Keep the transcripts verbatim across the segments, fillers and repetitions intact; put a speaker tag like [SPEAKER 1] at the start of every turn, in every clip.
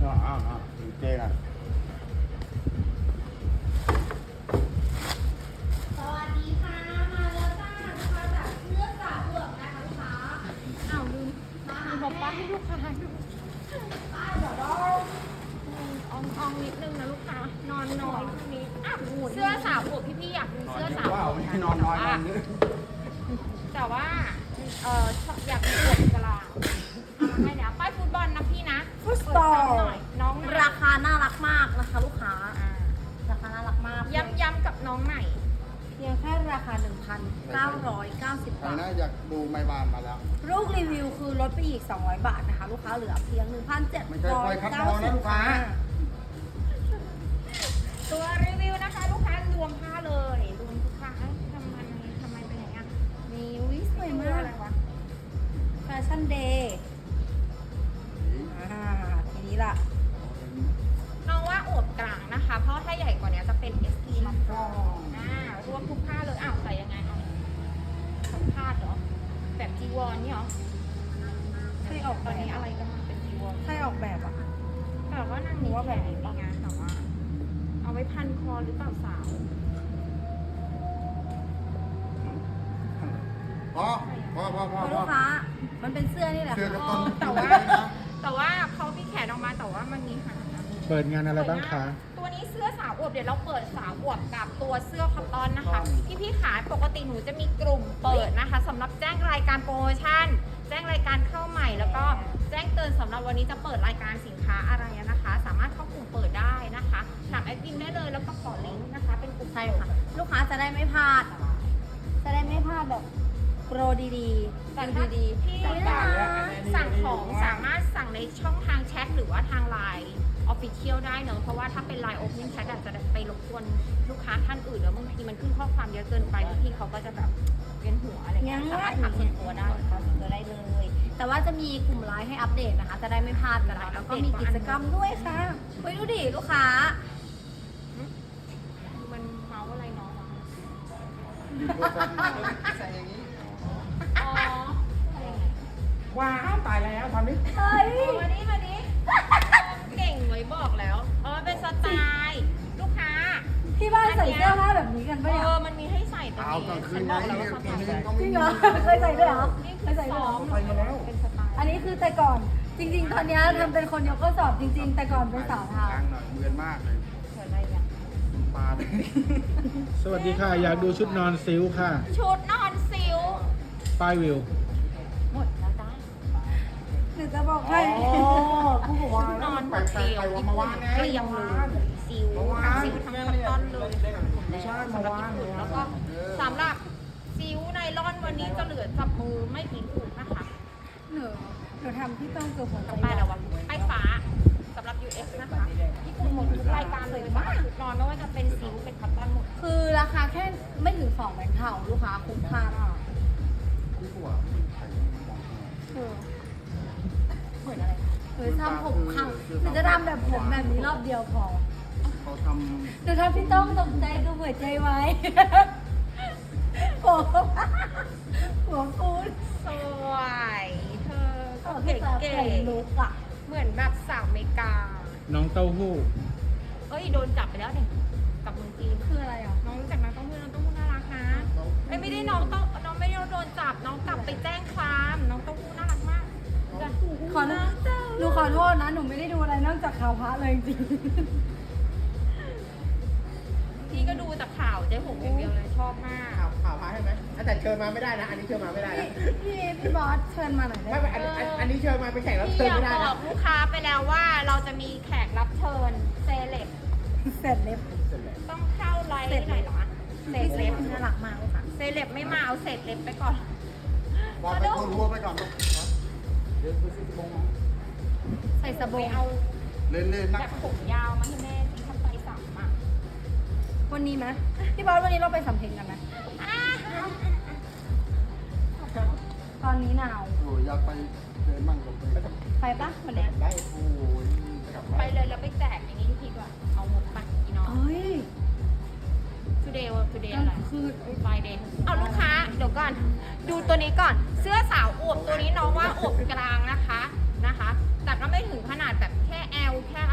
[SPEAKER 1] อ่าอ่าอ่าเจ๊กัน
[SPEAKER 2] สวัสดีค่ะมาแล้วจ้ามาจากเลือกสาวเบือกนะคะลูกค้า
[SPEAKER 3] อ้าวลืม
[SPEAKER 2] มา
[SPEAKER 3] ลื
[SPEAKER 2] หาม
[SPEAKER 3] บอกป้าให้ลูกค้าดู
[SPEAKER 2] ป้าเดี๋ยวเรา
[SPEAKER 3] อองอองนิดนึงนะลูกค้านอนน้อยตรงนี้อ้าวเสื้อสาวอวบพี่ๆอยากดูเสื้อสาว
[SPEAKER 1] ว้า
[SPEAKER 3] อ
[SPEAKER 1] ว
[SPEAKER 3] วบ
[SPEAKER 1] ไม่ให้นอนน้อยนอนเยอะ
[SPEAKER 3] แต่ว่าเอออยากดูอวบกลางให้เดี๋ยวป้ายฟุตบอลนะพี่นะ
[SPEAKER 2] ฟุตบอล
[SPEAKER 3] เปิดซ้ำหน่อยน้องไหน
[SPEAKER 2] ราคาน่ารักมากนะคะลูกค้า
[SPEAKER 3] อ่า
[SPEAKER 2] ราคาน่ารักมาก
[SPEAKER 3] ย้ำย้ำกับน้องใหม่
[SPEAKER 2] เพียงแค่ราคา หนึ่งพันเก้าร้อยเก้าสิบ
[SPEAKER 1] ใคร
[SPEAKER 2] บาท
[SPEAKER 1] น่าอยากดูไม้บานมาแล้ว
[SPEAKER 2] ลูกรีวิวคือลดไปอีก สองร้อยบาทนะคะ ลูกค้าเหลือเพียง หนึ่งพันเจ็ด
[SPEAKER 1] ไม่ใช่
[SPEAKER 2] ร้
[SPEAKER 1] ป
[SPEAKER 2] อ
[SPEAKER 1] ล่อย ยคัด
[SPEAKER 2] เก้า
[SPEAKER 1] คอ
[SPEAKER 2] สิ
[SPEAKER 1] นะ
[SPEAKER 2] บ
[SPEAKER 1] ลูกค้า
[SPEAKER 3] ตัวรีวิวนะคะ ลูกค้ารวมผ้าเลยรวมทุกผ้าเอ้ยทำไมทำไมเป็นอย่างนี้น
[SPEAKER 2] มีวิสวย
[SPEAKER 3] ตัว
[SPEAKER 2] มา
[SPEAKER 3] อะไร
[SPEAKER 2] ก
[SPEAKER 3] วะ
[SPEAKER 2] แฟชั่นเดย์อ่าทีนี้ล่ะ
[SPEAKER 3] น้องว่าอวบกลางนะคะ เพราะถ้าใหญ่กว่านี้จะเป็น เอส ที ลำโพงอ่ารวมทุกผ้าเลย อ้าวใส่ยังไงเอาสัมภาษณ์เหรอ แบบจีวรนี่เหรอ
[SPEAKER 2] ใช่ออก
[SPEAKER 3] ต
[SPEAKER 2] แบ
[SPEAKER 3] อนนี้
[SPEAKER 2] บ
[SPEAKER 3] อะไรก็มาเป็นจีวร
[SPEAKER 2] ใช่ออกแบบอ่ะ
[SPEAKER 3] แต่ว่านางมีแขนมีงานแต่ว่า เอาไว้พันคอหรือเปล่าสาว
[SPEAKER 1] พอพอพอพอ
[SPEAKER 2] คุณ
[SPEAKER 1] พอ
[SPEAKER 2] ลูกค้า มันเป็นเสื้อนี่แหละ
[SPEAKER 1] เสื้อกระ
[SPEAKER 2] ค่ะ
[SPEAKER 1] ตุ้น
[SPEAKER 3] แต่
[SPEAKER 1] ตุ้น
[SPEAKER 3] ว่า
[SPEAKER 1] เลยนะ
[SPEAKER 3] แต่ว่าเขามีแขนออกมาแต่ว่ามันมีหาง
[SPEAKER 4] เปิดงานอะไรบ้างคะ
[SPEAKER 3] ตัวนี้เสื้อสาวอวบเดี๋ยวเราเปิดสาวอวบกับตัวเสื้อคอตตอนนะคะ พี่พี่ๆขาปกติหนูจะมีกลุ่มเปิดนะคะสำหรับแจ้งรายการโปรโมชั่น แจ้งรายการเข้าใหม่ แล้วก็แจ้งเตือนสำหรับวันนี้จะเปิดรายการสินค้าอะไรนะคะ สามารถเข้ากลุ่มเปิดได้นะคะถามแอดมินได้เลยแล้วก็ขอลิงก์นะคะ เป็นกลุ่ม
[SPEAKER 2] ใช่ค่ะ ลูกค้าจะได้ไม่พลาด จะได้ไม่พลาดแบบโปรดีๆ
[SPEAKER 3] แต่
[SPEAKER 2] ดู
[SPEAKER 3] ถ้า
[SPEAKER 2] ดี
[SPEAKER 3] ที่
[SPEAKER 2] ๆแต่ไม่ได้
[SPEAKER 3] สั่งของสามารถสั่งในช่องทางแชทหรือว่าทางไลน์ออฟฟิเชียลได้เนอะเพราะว่าถ้าเป็นไลน์โอเพนแชทอาจจะไปรบกวนลูกค้าท่านอื่นแล้วบางทีมันขึ้นข้อความเยอะเกินไปบางทีเขาก็จะแบบเวียนหัวอะไรเงี้ยสามารถถามส่วนตัวได้
[SPEAKER 2] ถามส่วนตัวได้เลย แต่ว่าจะมีกลุ่มไลน์ให้อัปเดตนะคะ จะได้ไม่พลาดกันนะแล้วก็มีกิจกรรมด้วยค่ะเฮ้ยดูดิลูกค้า
[SPEAKER 3] มันเมาอะไรน้องวะ
[SPEAKER 1] ดูโทรศัพท์มาใส่อย่างนี้
[SPEAKER 3] อ๋ออะไรไง
[SPEAKER 1] ว้าวตายแล้วทำนี้
[SPEAKER 2] เฮ้ย
[SPEAKER 3] เอามาดิมาดิเก่งไว้บอกแล้วเออเป็นสไตล์ลูกค้า
[SPEAKER 2] ที่บ้านใส่เสื้อผ้าแบบนี้กันปะเนี่ย
[SPEAKER 3] เออมันมีให้ใส่ตัว
[SPEAKER 1] เอา
[SPEAKER 3] นี้
[SPEAKER 1] กลางคื
[SPEAKER 3] ฉั
[SPEAKER 1] น
[SPEAKER 3] นบ
[SPEAKER 1] นะ
[SPEAKER 3] อกแล้วว่าส
[SPEAKER 1] ก
[SPEAKER 3] ไต
[SPEAKER 1] ลาง
[SPEAKER 3] ล์
[SPEAKER 1] คืนก็ไม่
[SPEAKER 2] จริง
[SPEAKER 1] มี
[SPEAKER 2] เหรอเคยใส่ด้วยเหรอ
[SPEAKER 3] นี่
[SPEAKER 2] เคยใส่ด้วยเหรอ
[SPEAKER 1] ไปมาแล้ว
[SPEAKER 3] เป็นสไตล์
[SPEAKER 2] อันนี้คือแต่ก่อน จริง ๆ ตอนเนี้ยทำเป็นคนยกข้อสอบจริง ๆ แต่ก่อนเป็นสาวเท้า
[SPEAKER 1] ล้างหน่อยเมือนมากเลย
[SPEAKER 3] เกิดอะไรอย่าง
[SPEAKER 1] ปลาเลย
[SPEAKER 4] สวัสดีค่ะ อยากดูชุดนอนซิลค่ะ
[SPEAKER 3] ชุดนอนซิล
[SPEAKER 4] ป้ายวิว
[SPEAKER 3] หมดแล้วจ้า
[SPEAKER 2] หนูจะบอกให้
[SPEAKER 1] ผู้บอกว่าน
[SPEAKER 3] อน
[SPEAKER 1] ไป
[SPEAKER 3] หมด
[SPEAKER 1] ไป
[SPEAKER 3] เกลียว
[SPEAKER 1] ไป
[SPEAKER 3] ญี่
[SPEAKER 1] มา
[SPEAKER 3] ปุ่
[SPEAKER 1] วาน
[SPEAKER 3] น
[SPEAKER 1] ไง
[SPEAKER 3] เกลียงเลยซิล
[SPEAKER 1] เมื่อวา
[SPEAKER 3] ทั้ง
[SPEAKER 1] น
[SPEAKER 3] ซิลทั้งคอตตอนเลย
[SPEAKER 1] ไม่ใช่
[SPEAKER 3] สำหรับ
[SPEAKER 1] เมื่อวาน
[SPEAKER 3] ญี่ปุ่นแล้วก็สำหรับซิลไนลอนวันนี้จะเหลือจับมือไม่กี่ถุงนะคะ
[SPEAKER 2] หนูหนูทำที่ต้องเกือบหัวใจ
[SPEAKER 3] กับป้ายแล้ววะป้ายฟ้าสำหรับ ยู เอส นะคะญี่ปุ่นหมดทุกรายการเลยมากชุดนอนไม่ว่าจะเป็นซิลเป็นคอตตอนหมด
[SPEAKER 2] คือราคาแค่ไม่ถึงสองแบงค์เท่าลูกค้าคุ้มค่ามาก
[SPEAKER 1] ที่ผัวไข่มอง
[SPEAKER 2] คือ
[SPEAKER 3] เหมือนอะไร
[SPEAKER 2] หรือทำผมครั้งหรือจะทำแบบผมแบบนี้รอบเดียวพอ
[SPEAKER 1] เขาท
[SPEAKER 2] หรือถ้าพี่ต้องตกใจดูหัวใจไว้ ผมหัวฟูด
[SPEAKER 3] สวยเธอก็
[SPEAKER 2] พี่
[SPEAKER 3] เก๋
[SPEAKER 2] ตาไข่ลุกอ่ะ
[SPEAKER 3] ๆเหมือนแบบสาวอเมริกา
[SPEAKER 4] น้องเต้าหู้
[SPEAKER 3] เอ้ยโดนจับไปแล้วเนี่ยกับเมืองจีน
[SPEAKER 2] คืออะไรอ่ะ
[SPEAKER 3] น้องรู้จักน้องเต้าหู้น้องเต้าหู้น่ารักนะเอ้ยไม่ได้น้องเต้าน้องไม่ได้โดนจับน้องกลับไปแจ้งความน้องเต้าหู้น่ารักมาก
[SPEAKER 2] ขอหนูขอโทษนะ หนูไม่ได้ดูอะไรนอกจากข่าวพระเลยจริง
[SPEAKER 3] พี่ก็ดูแต่ข่าวเจ๊หงอย่างเดียวเลยชอบมาก
[SPEAKER 5] ข่าวข่าวพาใช่ไหมแต่เชิญมาไม่ได้นะ อันนี้เชิญมาไม่ได้
[SPEAKER 2] พี่
[SPEAKER 5] นะ
[SPEAKER 2] พี่พี่บอสเชิญมาหน่อยได้
[SPEAKER 5] ไม่
[SPEAKER 2] ไหม
[SPEAKER 5] ไม่อันอันอันนี้เชิญมาเป็นแขกรับ
[SPEAKER 3] พี่
[SPEAKER 5] เชิญ
[SPEAKER 3] อยาก
[SPEAKER 5] ไม่ได้
[SPEAKER 3] บอ
[SPEAKER 5] นะ
[SPEAKER 3] กลูกค้าไปแล้วว่าเราจะมีแขกรับเชิญเซเลบ
[SPEAKER 2] เสร็จเล็บ
[SPEAKER 3] ต้องเข้าไลฟ์หน่อยเหรอเซ
[SPEAKER 2] พี่เซ
[SPEAKER 3] เล
[SPEAKER 2] ฟ
[SPEAKER 3] บ
[SPEAKER 2] น่ารักมากเลยค่ะ
[SPEAKER 3] เซเลบไม่มาเอาเศษเล็บไปก่อน
[SPEAKER 1] ำบอกไปคนรัวไปก่อนลูกเดี๋ยวไปซื้อมง
[SPEAKER 2] ใส่สบ
[SPEAKER 3] ไป
[SPEAKER 2] ง
[SPEAKER 3] เอา
[SPEAKER 1] เล่นเล่นๆ
[SPEAKER 3] แบ
[SPEAKER 1] นัก
[SPEAKER 3] บผมยาวมาให้แม่ที่ทำไปสามอ่ะ
[SPEAKER 2] วันนี้ไหมพี่บอสวันนี้เราไปสำเพ็งกันไหมตอนนี้หนาว
[SPEAKER 1] โอ้ยอยากไปเดินมั่งกับไป
[SPEAKER 2] ไปปะวันเนี้ย
[SPEAKER 1] ได้โอ้ยกลับ
[SPEAKER 3] ไปเลยแล้วไปแจกอย่างนี้ทีกว่าเอาหมดไปอีน้อง
[SPEAKER 2] เอ้ย
[SPEAKER 3] today today
[SPEAKER 2] ก็
[SPEAKER 3] อะไร
[SPEAKER 2] คือ
[SPEAKER 3] Friday เอาลูกค้าเดี๋ยวก่อน ดูตัวนี้ก่อน เสื้อสาวอวบตัวนี้น้องว่าอวบกลางนะคะนะคะ แต่ก็ไม่ถึงขนาดแบบแค่ L แค่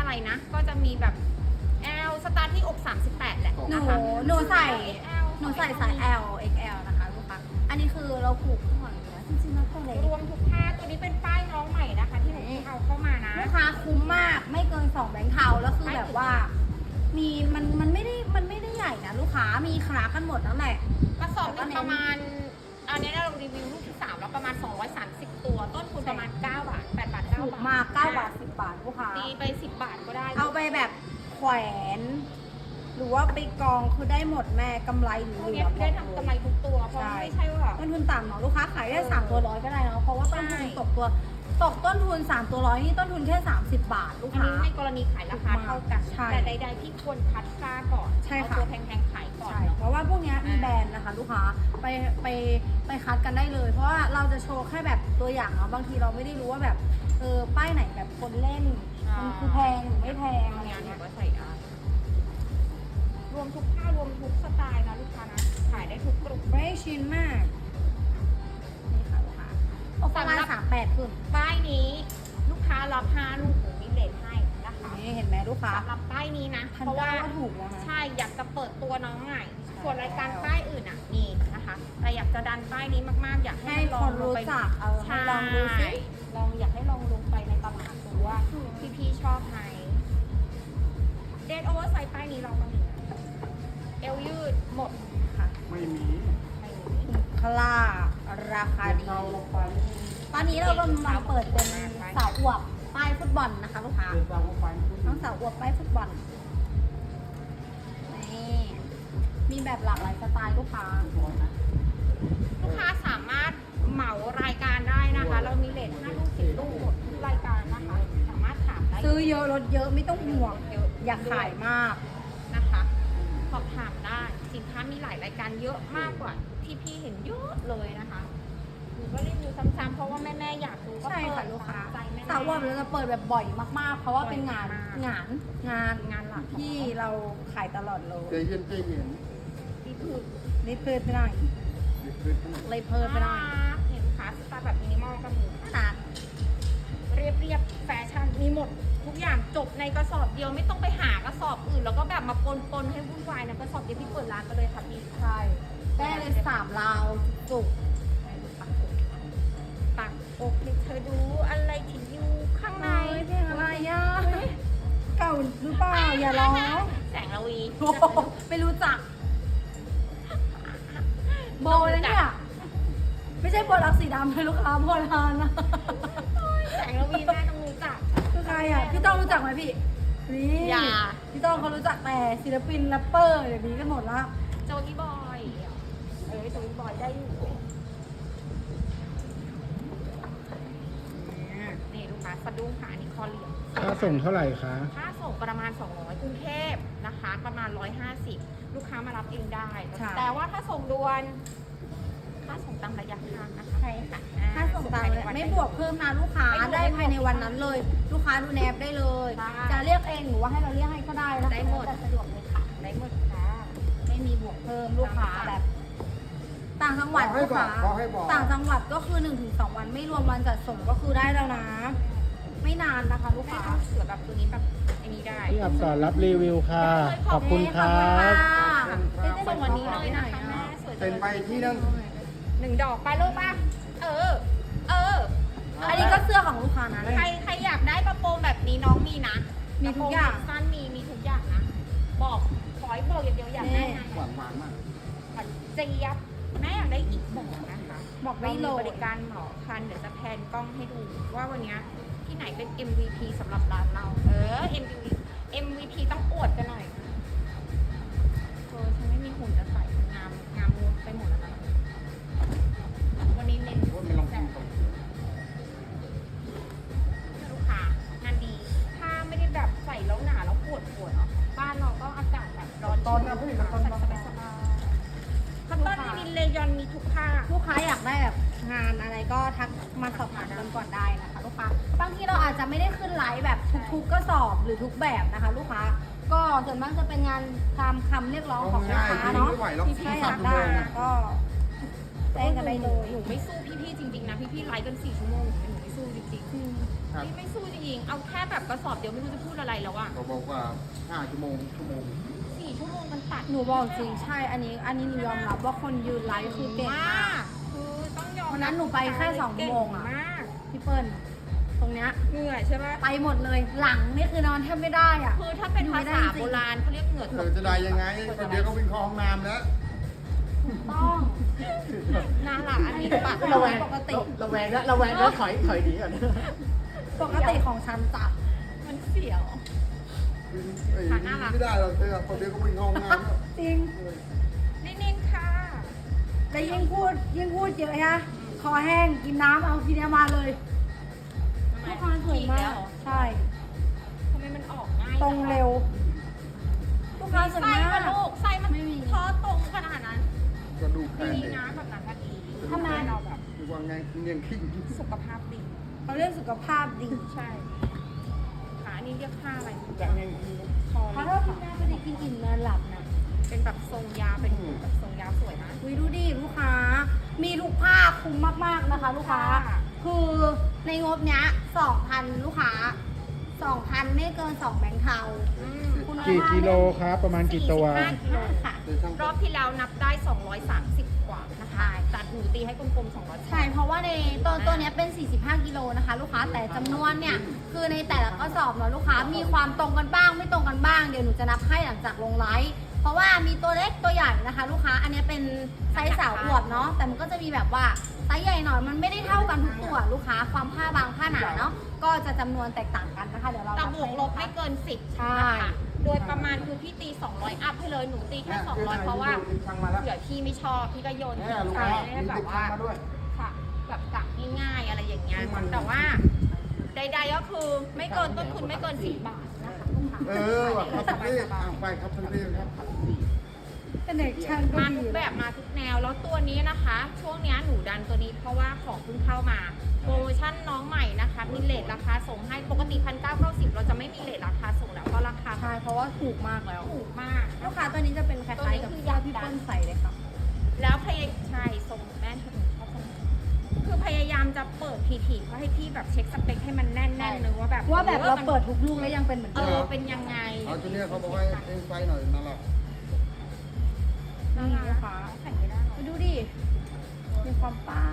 [SPEAKER 3] แบบ L สตาร์ทที่อกสามสิบแปดแหละ
[SPEAKER 2] หนู
[SPEAKER 3] นะคะ
[SPEAKER 2] หนูใส่
[SPEAKER 3] L
[SPEAKER 2] หนูใส่ไซส์ L เอ็กซ์ แอล นะคะลูกค้าอันนี้คือเราผูกข้างหลังอยู่แล้วจริงๆแล้วตัวเล็ก
[SPEAKER 3] รวมทุกผ้าตัวนี้เป็นป้ายน้องใหม่นะคะ ที่หนูเพิ่งเอาเข้ามานะ
[SPEAKER 2] ลูกค้าคุ้มมากไม่เกินสองแบงค์เทาแล้วคือแบบว่า มีมันมันไม่ได้มันไม่ได้ใหญ่นะลูกค้ามีคลากันหมดนั่นแหละ
[SPEAKER 3] กระสอบหนึงประมาณอันนี้เรารีวิวลูกที่สามแล้วประมาณสองร้อยสามสิบตัว ต้นทุนประมาณเก้าบาทแปดบาทเก้า
[SPEAKER 2] ถูก
[SPEAKER 3] บาท
[SPEAKER 2] มากเก้าบาทสิบบาทลูกค้า
[SPEAKER 3] ตีไปสิบบาทก็ได้
[SPEAKER 2] เอาไปแบบแขวน หรือว่าไปกองคือได้หมดแม่กำไรหรือ
[SPEAKER 3] พวก
[SPEAKER 2] เหลื
[SPEAKER 3] นี้
[SPEAKER 2] อ
[SPEAKER 3] ได้ทำกำไรทุกตัวเพราะไม่ใช่ว่า
[SPEAKER 2] ต้นทุนต่ำเนาะลูกค้าขายได้สามตัวร้อยก็ได้เนาะเพราะว่าต้นทุน
[SPEAKER 3] ใช่
[SPEAKER 2] ตกตัวตกต้นทุนสามตัวร้อยนี่ต้นทุนแค่สามสิบบาทลูก
[SPEAKER 3] อัน
[SPEAKER 2] ค้า
[SPEAKER 3] นี้ในกรณีขายราคาเท่ากัน
[SPEAKER 2] ใช่
[SPEAKER 3] แต่ใดๆที่ควรคัดค่าก่อน
[SPEAKER 2] ใช่
[SPEAKER 3] เอา
[SPEAKER 2] ค่ะ
[SPEAKER 3] ตัวแพงๆขายก่อน
[SPEAKER 2] ใช่
[SPEAKER 3] เนาะ
[SPEAKER 2] เพราะว่าพวกเนี้ยมีแบรนด์นะคะ ลูกค้าไปไปไปคัดกันได้เลย เพราะว่าเราจะโชว์แค่แบบตัวอย่างเนาะบางทีเราไม่ได้รู้ว่าแบบเออป้ายไหนแบบคนเล่นมันคือแพงหรือไม่แพงอะไร
[SPEAKER 3] เนี้ยหนู
[SPEAKER 2] เงี้ย
[SPEAKER 3] ก็ใส่ได้รวมทุกผ้ารวมทุกสไตล์นะลูกค้านะขายได้ทุกกลุ่ม
[SPEAKER 2] ไม่ชินมากนี่ค่ะลูกค้าโอ้ประมาณสามแปดขึ้น
[SPEAKER 3] ป้ายนี้ลูกค้ารับห้าลูกหนูมีเลทให้นะคะ
[SPEAKER 2] นี่เห็นไหมลูกค้า
[SPEAKER 3] สำหรับป้ายนี้นะ
[SPEAKER 2] พัน
[SPEAKER 3] เพราะ
[SPEAKER 2] เก้า
[SPEAKER 3] ว่า
[SPEAKER 2] ก็ถูกแล้วนะ
[SPEAKER 3] ใช่อยากจะเปิดตัวน้องใหม่
[SPEAKER 2] ใช่
[SPEAKER 3] ส่วนรายการป้ายอื่นอ่ะมีนะคะแต่อยากจะดันป้ายนี้มากๆ อยากให้
[SPEAKER 2] ให้
[SPEAKER 3] ล
[SPEAKER 2] ค
[SPEAKER 3] อง
[SPEAKER 2] น
[SPEAKER 3] ลง
[SPEAKER 2] รู้
[SPEAKER 3] ไป
[SPEAKER 2] จักเออให้
[SPEAKER 3] ใช่
[SPEAKER 2] ลองดูสิ
[SPEAKER 3] ลองอยากให้ลองลงไปในตลาดดูว่าพี่ๆชอบไหมเดนโอเวอร์ไซส์ป้ายนี้เราก็มีนะเอวยืดหมด
[SPEAKER 2] ค่ะ
[SPEAKER 1] ไม่มี
[SPEAKER 3] ไม่มี
[SPEAKER 2] คลาราคาดี
[SPEAKER 1] เราลงไป
[SPEAKER 2] ตอนนี้เรากำลังเปิดเป็นสาวอวบป้ายฟุตบอลนะคะลูกค้า
[SPEAKER 1] เดินตามลงไป
[SPEAKER 2] น้องสาวอวบป้ายฟุตบอลนี่มีแบบหลากหลายสไตล์ลูกค้า
[SPEAKER 3] ลูกค้าสามารถเหมารายการได้นะคะ เรามีเลทห้าลูกสิบลูกหมดทุกรายการนะคะ สามารถถามได้
[SPEAKER 2] ซื้อเยอะลดเยอะไม่ต้องห่วง
[SPEAKER 3] เยอะ
[SPEAKER 2] อยากขายมาก
[SPEAKER 3] นะคะสอบถามได้สินค้ามีหลายรายการเยอะมากกว่าที่พี่เห็นเยอะเลยนะคะหนูก็รีวิวซ้ำๆเพราะว่าแม่ๆอยากดูก็
[SPEAKER 2] ใช่
[SPEAKER 3] เปิ
[SPEAKER 2] ค่ะ
[SPEAKER 3] ด
[SPEAKER 2] ลูกค้า
[SPEAKER 3] ตมใจแม่ๆ
[SPEAKER 2] สาวอวบเราจะเปิดแบบบ่อยมากๆ เพราะว่าเป็นงาน
[SPEAKER 3] บ่อยมาก
[SPEAKER 2] งานงาน
[SPEAKER 3] งานหลัก
[SPEAKER 2] ที่เราขายตลอดเลย
[SPEAKER 1] ใจเย็นใจเย็น
[SPEAKER 3] ที่คือ
[SPEAKER 2] นี่เพิ่มไปหน่อย
[SPEAKER 1] เด็กเกินขนาด
[SPEAKER 2] เลยเพิ่มไปหน่อย
[SPEAKER 3] เห็นขาสไตล์แบบมินิมอลก็มี
[SPEAKER 2] ขนาด
[SPEAKER 3] เรียบเรียบๆแฟชั่นมีหมดทุกอย่างจบในกระสอบเดียวไม่ต้องไปหากระสอบอื่น แล้วก็แบบมาปนปนๆให้วุ่นวายนะกระสอบเดียวพี่เปิดร้านไปเลยค่ะพี่
[SPEAKER 2] ใช่ได้เลยสามราวจุก
[SPEAKER 3] ปักอกให้เธอดูอะไรที่อยู่ข้างใน
[SPEAKER 2] ในเพลงอะไรอ่ะเก่าหรือเปล่าอย่าร้อง
[SPEAKER 3] แสงระวี
[SPEAKER 2] โอ้โหไม่รู้จัก โบนะเนี่ย ไม่ใช่โบรักสีดำเลยลูกค้าโบราณนะ
[SPEAKER 3] แสงระวีแม่ต้องรู้จัก
[SPEAKER 2] คือใครอ่ะ พี่ต้องรู้จักไหมพี่ นี่
[SPEAKER 3] อย่า
[SPEAKER 2] พี่ต้องเขารู้จักแต่ศิลปินแรปเปอร์เดี๋ยวนี้กันหมดละ
[SPEAKER 3] โจกี้บอยเอ้ยโจกี้บอยได้อยู่นี่ลูกค้าสะดุ้งค่ะอันนี้คอเหลี่ยม
[SPEAKER 4] ค่าส่งเท่าไหร่คะ
[SPEAKER 3] ค่าส่งประมาณ สองร้อยกรุงเทพนะคะ ประมาณ หนึ่งร้อยห้าสิบ ลูกค้ามารับเองได้ แต่ว่าถ้าส่งด่วน ค่าส่งตามระยะทางนะคะ
[SPEAKER 2] ใช่ค่ะ
[SPEAKER 3] อ่
[SPEAKER 2] ถ้าส่งตามเลยไม่บวกเพิ่มนะลูกค้า
[SPEAKER 3] ไม่บวก
[SPEAKER 2] ได้ภายในวันนั้นเลย ลูกค้าดูในแอปได้เลย
[SPEAKER 3] ได้
[SPEAKER 2] จะเรียกเองหรือว่าให้เราเรียกให้ก็ได้นะคะ
[SPEAKER 3] ได้หมด
[SPEAKER 2] แต่สะดวกเลยค่ะ
[SPEAKER 3] ได้หมดค่ะ
[SPEAKER 2] ไม่มีบวกเพิ่มลูกค้าแบบ ต่างจังหวัด
[SPEAKER 1] ให้
[SPEAKER 2] ลูก
[SPEAKER 1] บอก
[SPEAKER 2] ค้า
[SPEAKER 1] บอกให้บอก
[SPEAKER 2] ต่างจังหวัดก็คือหนึ่งถึงสองวันไม่รวมวันจัดส่งก็คือได้แล้วนะ ไม่นานนะคะ ลูก
[SPEAKER 3] แม่
[SPEAKER 2] ค้า
[SPEAKER 3] ต้องเสือแบบตัวนี้แบบไอ้นี้ได้
[SPEAKER 4] พี่อับสอนรับรีวิวค่ะ ขอบคุณครั
[SPEAKER 2] ขอบคุณ
[SPEAKER 4] บ
[SPEAKER 2] ค่ะ
[SPEAKER 3] ส่งวันนี้เลยนะคะแม่สวยจั
[SPEAKER 1] เซ็
[SPEAKER 3] ง
[SPEAKER 1] นไปที่นั่น
[SPEAKER 3] หนึ่งดอกไปลูกป่ะ เออ เออ
[SPEAKER 2] อันนี้ก็เสื้อของลูกค้านะ
[SPEAKER 3] ใครใครอยากได้กระโปรงแบบนี้น้องมีนะ
[SPEAKER 2] มีทุกอย่าง
[SPEAKER 3] ระโปรงสั้นมีมีทุกอย่างนะ บอกขอให้บอกอย่างเดียวอยากได้ไง
[SPEAKER 1] หวานหวานมาก
[SPEAKER 3] หวานเจี๊ยบแม่อยากได้อีกบอกนะคะ
[SPEAKER 2] บอก
[SPEAKER 3] เรา
[SPEAKER 2] ไม่
[SPEAKER 3] มี
[SPEAKER 2] โหล
[SPEAKER 3] บ
[SPEAKER 2] ด
[SPEAKER 3] ริการเหมาคันเดี๋ยวจะแพนกล้องให้ดูว่าวันเนี้ยที่ไหนเป็น เอ็ม วี พี สำหรับร้านเรา เออ เอ็ม วี พี เอ็ม วี พี ต้องอวดกันหน่อยเออฉันไม่มีหุ่นจะใส่งามงามงูไปหมดแล้วนะวันนี้เน้น
[SPEAKER 1] ว่ามันลอง
[SPEAKER 3] แส
[SPEAKER 1] กิน
[SPEAKER 3] บ
[SPEAKER 1] ก่อน
[SPEAKER 3] ลูกค้างานดี ถ้าไม่ได้แบบใส่แล้วหนาแล้วปวดปวดเนาะบ้านเราก็อากาศแบบร้อน
[SPEAKER 1] ตอนนั้นพี่กับตอน
[SPEAKER 3] ใส่
[SPEAKER 1] นั้น
[SPEAKER 3] สบายสบายคัตตอนลินินเลยอนมีทุกผ้า
[SPEAKER 2] ลูกค้าอยากได้แบบงานอะไรก็ทักมาสอบถามกันก่อนได้นะคะลูกค้าบางทีเราอาจจะไม่ได้ขึ้นไลฟ์แบบทุกๆก็สอบหรือทุกแบบนะคะ ลูกค้าก็ส่วนมากจะเป็นงานตามคำเรียกร้องของลูกค้าเนาะ
[SPEAKER 1] ไม่ไหวหรอก
[SPEAKER 2] ที่พี่อยากได้นะก็แจ้งกันได้เลย
[SPEAKER 3] หนูไม่สู้พี่ๆจริงๆนะพี่ๆไลฟ์กันสี่ชั่วโมงหนูไม่สู้จริงๆ
[SPEAKER 1] ครับ
[SPEAKER 3] พี่ไม่สู้จริงๆเอาแค่แบบกระสอบเดียวไม่รู้จะพูดอะไรแล้วอะ
[SPEAKER 1] เขาบอกว่าห้าชั่วโมงชั่วโมง
[SPEAKER 3] สี่ชั่วโมงมันตัด
[SPEAKER 2] หนูบอกจริงใช่อันนี้ อันนี้หนูยอมรับว่าคนยืนไลฟ์คือเก่งมาก
[SPEAKER 3] คือต้องยอม
[SPEAKER 2] วันนั้นหนูไปแค่สองโมงอะ
[SPEAKER 3] เก่มาก
[SPEAKER 2] พี่เปิ้ลตรงเนี้ย
[SPEAKER 3] เหนื่อยใช่ไหม
[SPEAKER 2] ไปหมดเลยหลังนี่คือนอนแทบไม่ได้อ่ะ
[SPEAKER 3] คือถ้าเป็นภาษาโบราณเขาเรียกเหงื่อ
[SPEAKER 1] เธ
[SPEAKER 3] ต
[SPEAKER 1] อก จะได้ยังไงคนเดียวก็วิ่งเข้าห้องน้ำแล้ว
[SPEAKER 2] ต้อง
[SPEAKER 3] น่ารักอันนี้ปาก
[SPEAKER 5] ระแวง
[SPEAKER 2] ปกติ
[SPEAKER 5] ระแวงแล้วระแวงแล้วถอยถอยหนีก่อน
[SPEAKER 2] ปกติของฉันจ้ะ
[SPEAKER 3] มันเสียว
[SPEAKER 1] เอ้ยไม่ได้หรอกเธอคนเดียวก็วิ่งเข้าห้องน้ำแล้ว
[SPEAKER 2] จริง
[SPEAKER 3] นิ่งๆค่ะ
[SPEAKER 2] แต่ยิ่งพูดยิ่งพูดเยอะนะคอแห้งกินน้ำเอาทีเดียวมาเลยลูกค้าสวยมากใช่
[SPEAKER 3] ทำไมมันออกง่าย
[SPEAKER 2] ตรงเร็วลูกค้าสวย
[SPEAKER 3] ไส้
[SPEAKER 2] มา
[SPEAKER 3] มัน
[SPEAKER 2] ก
[SPEAKER 3] ลูกไส้มัน
[SPEAKER 2] ไม่มี
[SPEAKER 3] ท้อตรงขนาดนั้น
[SPEAKER 1] ก็ดูแพง
[SPEAKER 3] ดี
[SPEAKER 1] เด็ก
[SPEAKER 3] นะแบบนั้นก็ดี
[SPEAKER 2] ทำไม
[SPEAKER 3] เราแบบ
[SPEAKER 1] ดูว่าไงเงียงขิง
[SPEAKER 3] สุขภาพดี
[SPEAKER 2] เขาเรื่องสุขภาพดี
[SPEAKER 3] ใช่ขาอันนี้เรียกค่าอะไร
[SPEAKER 5] จากไง
[SPEAKER 3] คอ
[SPEAKER 2] เพราะ
[SPEAKER 3] เรีย
[SPEAKER 2] ถ้าก พี่
[SPEAKER 3] ขา
[SPEAKER 2] แม่ไม่ได้กินอิ่มนอนหลับนะ
[SPEAKER 3] เป็นแบบทรงยาวเป็นแบบทรงยาวสวยนะ
[SPEAKER 2] อุ้ยดูดิลูกค้า มีทุกผ้าคุ้มมากๆนะคะ ลูกค้า
[SPEAKER 3] ค่ะ
[SPEAKER 2] คือในงบเนี้ยสองพันลูกค้าสองพันไม่เกินสองแบงค์เทา
[SPEAKER 3] อืม
[SPEAKER 2] คุณภาพ
[SPEAKER 4] กี่กิโลครับประมาณกี่ตัว
[SPEAKER 3] สี่สิบห้ากิโลค่ะ
[SPEAKER 1] เดี๋ยวช่าง
[SPEAKER 3] รอบที่แล้วนับได้ สองร้อยสามสิบ กว่านะคะตัดหนูตีให้กลมๆสองร้อย
[SPEAKER 2] ใช่ เพราะว่าในตัวตัวเนี้ยเป็น สี่สิบห้ากิโลนะคะ ลูกค้า แต่จำนวนเนี่ย คือในแต่ละกระสอบเนาะลูกค้า มีความตรงกันบ้าง ไม่ตรงกันบ้าง เดี๋ยวหนูจะนับให้หลังจากลงไลฟ์ เพราะว่ามีตัวเล็กตัวใหญ่นะคะ ลูกค้า อันเนี้ยเป็นไซส์สาวอวบเนาะ แต่มันก็จะมีแบบว่าไซส์ใหญ่หน่อย มันไม่ได้เท่ากันทุกตัวลูกค้า ความผ้าบางผ้าหนาเนาะ ก็จะจำนวนแตกต่างกันนะคะ เดี๋ยวเรา
[SPEAKER 3] แต่
[SPEAKER 2] นั
[SPEAKER 3] บวกลบไม่เกินสิบ
[SPEAKER 2] ใช่
[SPEAKER 3] นะคะโดยประมาณคือพี่ตี สองร้อย อัพให้เลย หนูตีแค่ สองร้อย เพราะว่า
[SPEAKER 1] ช่างมาแล้ว
[SPEAKER 3] เผื่อพี่ไม่ชอบ พี่ก็โยน
[SPEAKER 1] แม่ลูก
[SPEAKER 3] ใส่
[SPEAKER 1] ค้า
[SPEAKER 3] ให้
[SPEAKER 1] มี
[SPEAKER 3] แบ
[SPEAKER 1] ติ
[SPEAKER 3] บ
[SPEAKER 1] ด
[SPEAKER 3] ว่า
[SPEAKER 1] ช่างมาด้วย
[SPEAKER 3] ค่ะแบบกะง่ายๆอะไรอย่างเงี้ย
[SPEAKER 1] มัน
[SPEAKER 3] แต่ว่าใดๆก็คือไม่เกินต้นทุนไม่เกินสิบบาทนะคะลูกค้า
[SPEAKER 1] เออว่ะครับ
[SPEAKER 3] ส
[SPEAKER 1] พี่
[SPEAKER 3] บาย
[SPEAKER 1] อ่ะไปครับพี่ครับ
[SPEAKER 2] เป็นเด็กช่าง
[SPEAKER 3] ๆ
[SPEAKER 2] ก็
[SPEAKER 3] มา
[SPEAKER 2] ดี
[SPEAKER 3] ทุกแบบมาทุกแนว แล้วตัวนี้นะคะ ช่วงเนี้ยหนูดันตัวนี้เพราะว่าของเพิ่งเข้ามา โปรโมชั่นน้องใหม่นะคะ มีเลทราคาส่งให้ปกติพันเก้าเก้าสิบเราจะไม่มีเลทราคาส่งแล้วเพราะราคา
[SPEAKER 2] ใช่ เพราะว่าถูกมากแล้ว
[SPEAKER 3] ถูกมาก
[SPEAKER 2] ลูกค้าตัวนี้จะเป็นคล้ายๆกับที่พี่เปิ้ลใส่เลยค่ะ
[SPEAKER 3] แล้วพยายใช่ทรงแม่ถึงชอบทรงคือพยายามจะเปิดทีๆเพื่อให้พี่แบบเช็คสเปคให้มันแน่นๆนึงว่าแบบ
[SPEAKER 2] ว่าแบบเรา
[SPEAKER 3] มัน
[SPEAKER 2] เปิดทุกลูกแล้วยังเป็นเหมือน
[SPEAKER 3] เอ
[SPEAKER 2] เดิ
[SPEAKER 3] อ
[SPEAKER 2] ม
[SPEAKER 3] เป็นยังไง
[SPEAKER 1] เอาตัวเนี้ยเขาบอกว่าเองไฟหน่อยนั่นแหละ
[SPEAKER 3] น่ารัก
[SPEAKER 2] นี่นะคะ
[SPEAKER 3] ใส่ไม่ได้หรอ
[SPEAKER 2] ไปดูดิ มีความป้าย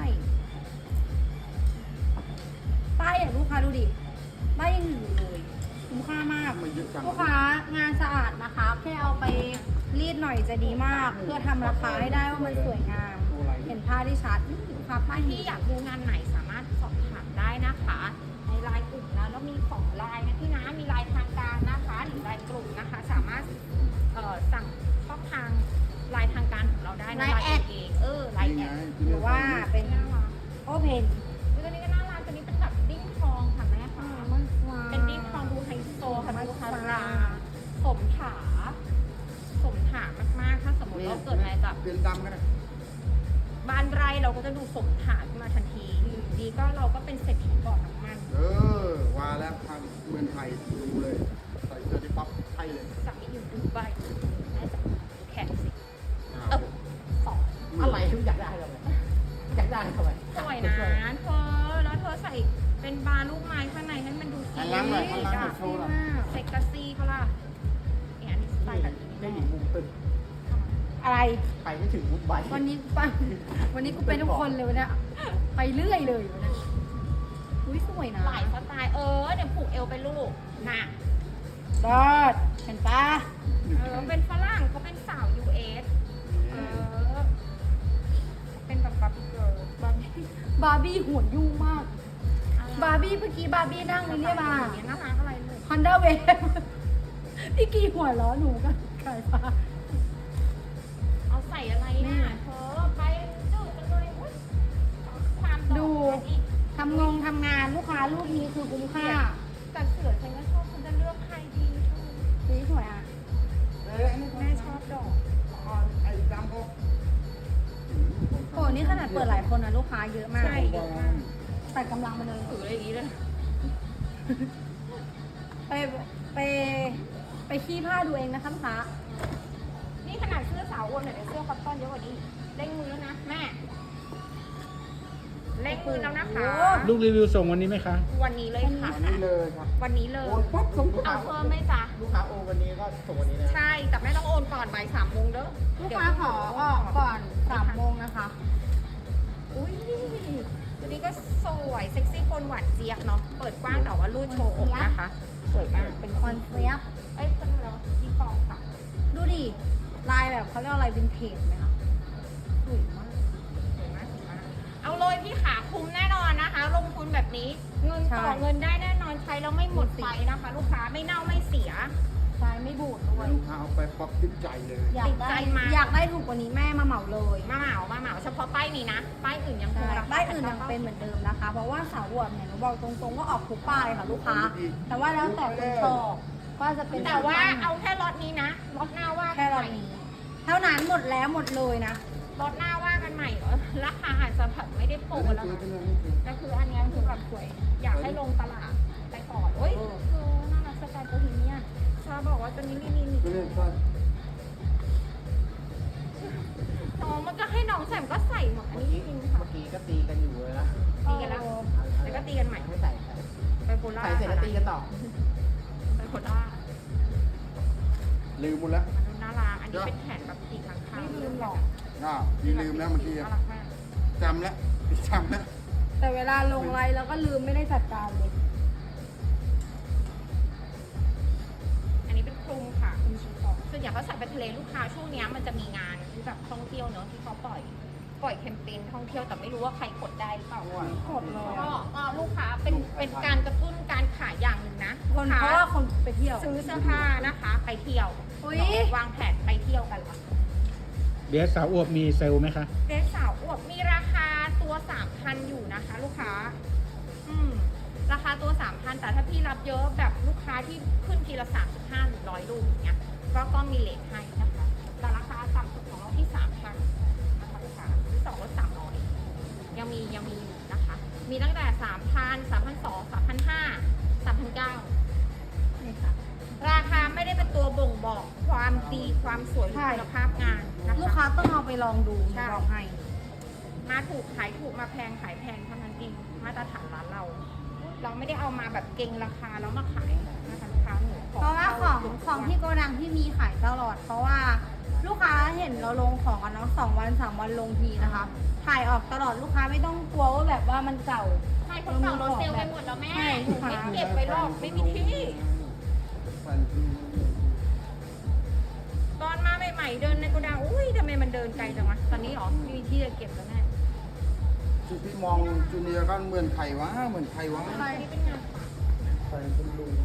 [SPEAKER 2] ป้ายอย่างลูกค้าดูดิ ป้ายยังอยู่เลยคุ้มค่ามาก
[SPEAKER 1] ไม่เยอะจัง
[SPEAKER 2] ลูกค้างานสะอาดนะคะ แค่เอาไปรีดหน่อยจะดีมาก เพื่อทำราคาให้ได้ว่ามันสวยงาม เห็นผ้าได้ชัดนี่ลูกค้าป้าย
[SPEAKER 3] พี่อยากดูงานไหนสามารถสอบถามได้นะคะ ในไลน์กลุ่มนะแล้วมีสองไลน์นะพี่นะมีไลน์ทางการนะคะหรือไลน์กลุ่มนะคะ สามารถเอ่อสั่งช่องทางไลน์ทางการของเราได้นะไลน์เองเออไลน์แอด
[SPEAKER 2] หรือว่าเป็น
[SPEAKER 3] น่ารัก
[SPEAKER 2] โอเพน
[SPEAKER 3] ตัวนี้ก็น่ารักตัวนี้เป็นแบบดิ้งทองค่ะแม่ค่ะ
[SPEAKER 2] มันฟ้า
[SPEAKER 3] เป็นดิ้งทองดูไฮโซค่ะดูฮาราสมถาสมถามากๆ ถ้าสมมติเราเกิดอะไรกับ
[SPEAKER 1] เปลี่ยนดำกันนะ
[SPEAKER 3] บ้านไร่เราก็จะดูสมถาขึ้นมาทันทีอยู่ดีก็เราก็เป็นเศรษฐีบ่อน้ำมัน
[SPEAKER 1] เออว่าแล้วทางเมืองไทยดูเลย ใส่เสื้อที่ปั๊บไทยเลย
[SPEAKER 3] จากนี้อยู่ดูใบแม่จะดูแขนสิ
[SPEAKER 1] อ้าว
[SPEAKER 3] เออสอง
[SPEAKER 5] อะไรทุกอยากได้ทำไมอยากได้ทำไม
[SPEAKER 3] สวยนะเธอแล้วเธอใส่เป็นบาร์ลูกไม้ข้างในให้มันดูสี
[SPEAKER 1] หันหลังหน่อยหันหลังหน่อยโชว์หน่อย
[SPEAKER 3] เซ็กซี่เขาล่ะเนี่ยอันนี้สไตล์แบบนี้
[SPEAKER 5] ได้หญิงมุมตึ้ง
[SPEAKER 2] อะไร
[SPEAKER 5] ไปไม่ถึงมุมใบ
[SPEAKER 2] วันนี้ไปวันนี้กูเป็นทุกคนเลยวันเนี้ยไปเรื่อยเลยวันเนี้ยอุ้ยสวยนะ
[SPEAKER 3] หลายสไตล์เออเดี๋ยวผูกเอวไปลูกน่ะ
[SPEAKER 2] รอดเห็นปะ
[SPEAKER 3] เออเป็นฝรั่งเขาเป็นสาว ยู เอส เออ เป็นแบบบาร์บี้เกิร์ลบาร์บี้
[SPEAKER 2] บาร์บี้หัวยุ่งมาก บาร์บี้เมื่อกี้บาร์บี้นั่งนี่เนี่ยมา
[SPEAKER 3] เนี่ยน่ารักอะไรเลย
[SPEAKER 2] ฮอนด้าเวฟพี่กีหัวล้อหนูกันขายฟ้า
[SPEAKER 3] เอาใส่อะไรน่ะเธอไปดูกันเลยอุ๊ยความ
[SPEAKER 2] ดู
[SPEAKER 3] อีก
[SPEAKER 2] ทำงงทำงานลูกค้าลูกนี้คือคุ้มค่า
[SPEAKER 3] แต่เสือฉันก็ชอบฉันจะเลือกใครดีเธอ
[SPEAKER 2] สีสวยอ่ะ
[SPEAKER 1] เอ้ยอันนี้
[SPEAKER 3] แม่ชอบดอก
[SPEAKER 1] อ๋อไอ้ดำก็
[SPEAKER 2] โอ้นี่ขนาดเปิดหลายคนนะลูกค้าเยอะมาก
[SPEAKER 3] ใช่เยอะมาก
[SPEAKER 2] แต่กำลังมาเลย
[SPEAKER 3] ถืออะไรอย่างนี้เลย
[SPEAKER 2] ไปไปไปขี้ผ้าดูเองนะคะลูกค้า
[SPEAKER 3] นี่ขนาดเสื้อสาวอ้วนหน่อยแต่เสื้อคอตตอนเยอะกว่านี้ได้มือแล้วนะแม่เร่งมือแล้วนะคะ
[SPEAKER 4] ลูกรีวิวส่งวันนี้ไหมคะ
[SPEAKER 3] วันนี้เลยค่ะ
[SPEAKER 1] วันนี้เลยครับ
[SPEAKER 3] วันนี้เลย
[SPEAKER 1] โอนปั๊บส่ง
[SPEAKER 3] เอาเพิ่มไหมจ๊ะ
[SPEAKER 5] ลูกค้าโอวันนี้ก็ส่งวันนี้นะ
[SPEAKER 3] ใช่แต่ไม่ต้องโอนก่อนบ่ายสามโมงเด้อ
[SPEAKER 2] ลูกค้าขอออกก่อนสามโมงนะคะ
[SPEAKER 3] อุ้ยตัวนี้ก็สวยเซ็กซี่คนหวานเจี๊ยบเนาะเปิดกว้างแต่ว่ารูดโชว์อกนะคะสวยมากเป็น
[SPEAKER 2] คอนเฟียบ
[SPEAKER 3] เอ้ยเป็นแล้วที่ฟองค่ะ
[SPEAKER 2] ดูดิ ลายแบบเขาเรียกอะไรวินเทจไหมคะสวยมาก
[SPEAKER 3] สวยมากสวยมากเอาเลยพี่ขาคุ้มแน่นอนนะคะ ลงทุนแบบนี้เงินต่อเงินได้แน่นอนใช้แล้วไม่หมดไฟนะคะ ลูกค้าไม่เน่าไม่เสีย
[SPEAKER 2] ลายไม่บูดด้วย
[SPEAKER 1] ลูกค้าเอาไปปั๊บติดใจเลย
[SPEAKER 2] อยากได้
[SPEAKER 3] ติดใจมาก
[SPEAKER 2] อยากได้ถูกกว่านี้แม่มาเหมาเลย
[SPEAKER 3] มาเหมามาเหมาเฉพาะป้ายนี้นะ ป้ายอื่นยังคง
[SPEAKER 2] ใช่
[SPEAKER 3] ราคา
[SPEAKER 2] ป้ายอื่นยังเป็นเหมือนเดิมนะคะ เพราะว่าสาวอวบเนี่ยหนูบอกตรงๆก็ออกทุกป้ายค่ะลูกค้า แต่ว่าแล้วแต่คนชอบว่าจะเป็น
[SPEAKER 3] แต่ว่าเอาแค่ล็อตนี้นะล็อตหน้าว่า
[SPEAKER 2] แค่รอบนี้ เท่านั้นหมดแล้วหมดเลยนะ
[SPEAKER 3] ล็อตหน้าว่ากันใหม่เหรอราคาอาจจะแบบไม่ได้โปรแล้วนะแต่คืออันเนี้ยคือแบบสวยอยากให้ลงตลาดไปก่อนโอ้ยเออน่ารักสไตล์โบฮีเมียนชาบอกว่าตัวนี้ลินิน
[SPEAKER 1] ไม่เล่นใช่
[SPEAKER 3] น้องมันก็ให้น้องใส่มันก็ใส่หมดอัน
[SPEAKER 5] เมื่อ
[SPEAKER 3] นี้
[SPEAKER 5] กี้
[SPEAKER 3] จริงค่ะ
[SPEAKER 5] เมื่อกี้ก็ตีกันอยู่เลยนะ
[SPEAKER 3] ตีกันแล้วแล้วก็ตีกันใหม่
[SPEAKER 5] ไม่ใส่ใส่
[SPEAKER 3] ไปโบราณ
[SPEAKER 5] ใส่เสร็จแล้วตีกันต่อ
[SPEAKER 3] ไปโบราณ
[SPEAKER 1] ลืมหมดแล้ว
[SPEAKER 3] มันดูน่ารักอันนี้เป็นแขนแบบตีข้างๆ
[SPEAKER 2] ไม่ลืมหรอก
[SPEAKER 1] อ่าพี่ลืมแล้วเมื่อกี้
[SPEAKER 3] น่ารักมาก
[SPEAKER 1] จำแล้วจำแล้ว
[SPEAKER 2] แต่เวลาลงไลน์แล้วก็ลืมไม่ได้จัดการเลย
[SPEAKER 3] อันนี้เป็นคลุมค่ะคลุมชีฟองส่วนใหญ่เขาใส่ไปทะเลลูกค้าช่วงเนี้ยมันจะมีงานที่แบบท่องเที่ยวเนอะที่เขาปล่อยปล่อยแคมเปญท่องเที่ยวแต่ไม่รู้ว่าใครกดได้หรือเปล่า
[SPEAKER 2] กดเลย
[SPEAKER 3] ก็ก็ลูกค้าเป็นเป็นการกระตุ้นการขายอย่างหนึ่งนะ
[SPEAKER 2] คนเพราะว่าคนไปเที่ยว
[SPEAKER 3] ซื้อเสื้อผ้านะคะ ไปเที่ยว
[SPEAKER 2] อุ๊ย
[SPEAKER 3] วางแผนไปเที่ยวกันละ
[SPEAKER 4] เดี๋ยวสาวอวบมีเซลล์ไหมคะ
[SPEAKER 3] เดรสสาวอวบมีราคาตัวสามพันอยู่นะคะ ลูกค้า อืมราคาตัวสามพันแต่ถ้าพี่รับเยอะแบบลูกค้าที่ขึ้นทีละสามสิบห้าหรือร้อยลูกอย่างเงี้ยก็ก็มีเลทให้นะคะแต่ราคาต่ำสุดของเราที่สามพันนะคะลูกค้าที่สองลดสามร้อยยังมียังมีอยู่นะคะ มีตั้งแต่สามพันสามพันสองสามพันห้าสามพันเก้า
[SPEAKER 2] นี่ค่ะ
[SPEAKER 3] ราคาไม่ได้เป็นตัวบ่งบอกความดีความสวยหรือคุณภาพงานนะ
[SPEAKER 2] ลูก
[SPEAKER 3] คะ
[SPEAKER 2] ค้าต้องเอาไปลองดู
[SPEAKER 3] ใช่
[SPEAKER 2] บอกให้
[SPEAKER 3] มาถูกขายถูกมาแพงขายแพงเท่านั้นเองมาตรฐานร้านเรา เราไม่ได้เอามาแบบเก่งราคาแล้วมาขายนะคะลูกค้าหนู
[SPEAKER 2] เพราะว่าของของที่โกดังที่มีขายตลอด เพราะว่าลูกค้าเห็นเราลงของกันเนาะสองวันสามวันลงทีนะคะ ถ่ายออกตลอดลูกค้าไม่ต้องกลัวว่าแบบว่ามันเก่า
[SPEAKER 3] ใช่คนเก่าเราเซลล์ไปหมดแล้วแม่
[SPEAKER 2] ใช่
[SPEAKER 3] หนูไม่เก็บไว้หรอกไม่มีที่
[SPEAKER 1] ฟันคือ
[SPEAKER 3] ตอนมาใหม่ๆเดินในโกดังอุ้ยทำไมมันเดินไกลจังวะตอนนี้หรอไม่มีที่จะเก็บแล้วแม่
[SPEAKER 1] ที่พี่มองจูเนียร์ก็เหมือนใครวะเหมือนใครวะ
[SPEAKER 3] ใช่นี่เป็นงาน
[SPEAKER 1] ใครเป็นลุง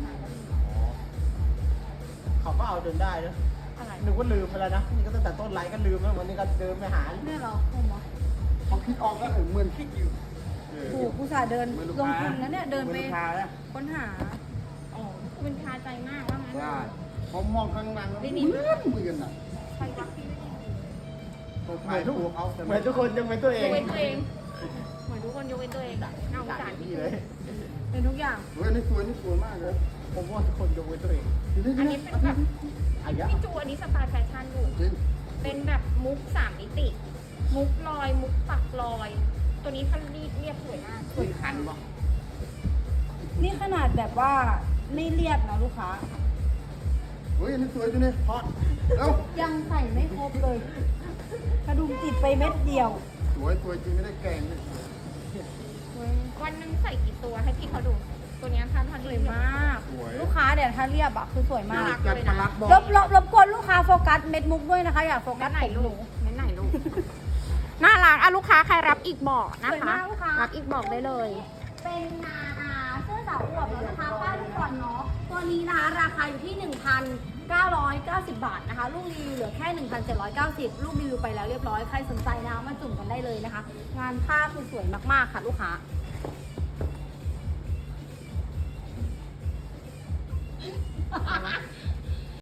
[SPEAKER 5] เขาก็เอาจนได้นะ
[SPEAKER 3] อะไร
[SPEAKER 5] นึกว่าลืมไปแล้วนะนี่ก็ตั้งแต่ต้นไลฟ์ก็ลืมแล้ววันนี้ก็เดินไปหา
[SPEAKER 2] เนี่ยเหรอผมเหรอ
[SPEAKER 1] พอคิดออกก็เออเหมือนคิดอยู่เออ
[SPEAKER 2] ถูกผู้สาห์เดินลงทุนนะเนี่ยเดินไป
[SPEAKER 1] หมือลูกค้านะ
[SPEAKER 2] ค้นหา
[SPEAKER 3] อ๋อมันคาใจมากว่างั้น
[SPEAKER 1] ใช่ผมมองข้างหลังแล้ว
[SPEAKER 3] ไม่
[SPEAKER 1] เห
[SPEAKER 3] มี
[SPEAKER 1] มือนเหมือนอ่ะ
[SPEAKER 3] ใครวะพี่
[SPEAKER 1] เขา
[SPEAKER 5] เห
[SPEAKER 1] ขา
[SPEAKER 5] มื
[SPEAKER 1] ย
[SPEAKER 5] อนทุก
[SPEAKER 1] ตัวเขาแต่
[SPEAKER 5] เหมือนทุกคนยังเป็นตัวเอย ง
[SPEAKER 3] กเว้นตัวเอง เหมือนทุกคนยกเว้นตัวเองน่าสงสารพี่
[SPEAKER 5] พี่เลย
[SPEAKER 2] เป็นทุกอย่าง
[SPEAKER 1] เฮ้ยนี่สวยนี่สวยมากเลย
[SPEAKER 5] ผมว่าทุกคนยกเว้นตัวเอง
[SPEAKER 3] อันนี้เป็นแบบ
[SPEAKER 5] อายะ
[SPEAKER 3] พี่จูอันนี้สไตล์แฟชั่นอยู่
[SPEAKER 1] จริง
[SPEAKER 3] เป็นแบบมุกสามมิติ มุกลอย มุกปักลอย ตัวนี้ท่านรีดเรียบสวยมากสวยคัน
[SPEAKER 2] นี่ขนาดแบบว่าไม่เรียบนะลูกค้า
[SPEAKER 1] เฮ้ยอันนี่สวยจังเลยพอดเอ้า
[SPEAKER 2] ยังใส่ไม่ครบเลยกระดุมติดไปเม็ดเดียว
[SPEAKER 1] สวยสวยจริงไม่ได้แกล้งเลย
[SPEAKER 3] วันหนึงใส่กี่ตัวให้พี่เขาดู ตัวเนี้ยท่านท่าน
[SPEAKER 2] ส
[SPEAKER 3] รี
[SPEAKER 2] วย
[SPEAKER 3] ด
[SPEAKER 2] มาก ลูกค้าเดี๋ยวถ้าเรียบอะคือสวยมาก
[SPEAKER 1] จัดประหลัดบอก
[SPEAKER 2] รบรบรบกวนลูกค้าโฟกัสเม็ดมุกด้วยนะคะ อย่าโฟกั
[SPEAKER 3] กั
[SPEAKER 2] ส
[SPEAKER 3] นไหน
[SPEAKER 2] ผมห
[SPEAKER 3] ลู
[SPEAKER 2] นู
[SPEAKER 3] กเน้นไหนลูก น่ารักอ่ะลูกค้าใครรับอีกบอกนะ
[SPEAKER 2] สวย
[SPEAKER 3] คะ
[SPEAKER 2] มากลูกค้า
[SPEAKER 3] รับอีกบอกได้เลย
[SPEAKER 2] เป็นนาอาเสื้อสาวอวบแล้วนะคะป้ายลูกก่อนเนาะตัวนี้นะคะราคาอยู่ที่ หนึ่งพันเก้าร้อยเก้าสิบบาทนะคะ ลูกรีวิวเหลือแค่ หนึ่งพันเจ็ดร้อยเก้าสิบ ลูกรีวิวไปแล้วเรียบร้อยใครสนใจนะคะมาจุ่มกันได้เลยนะคะ งานผ้าคือสวยมากๆค่ะลูกค้า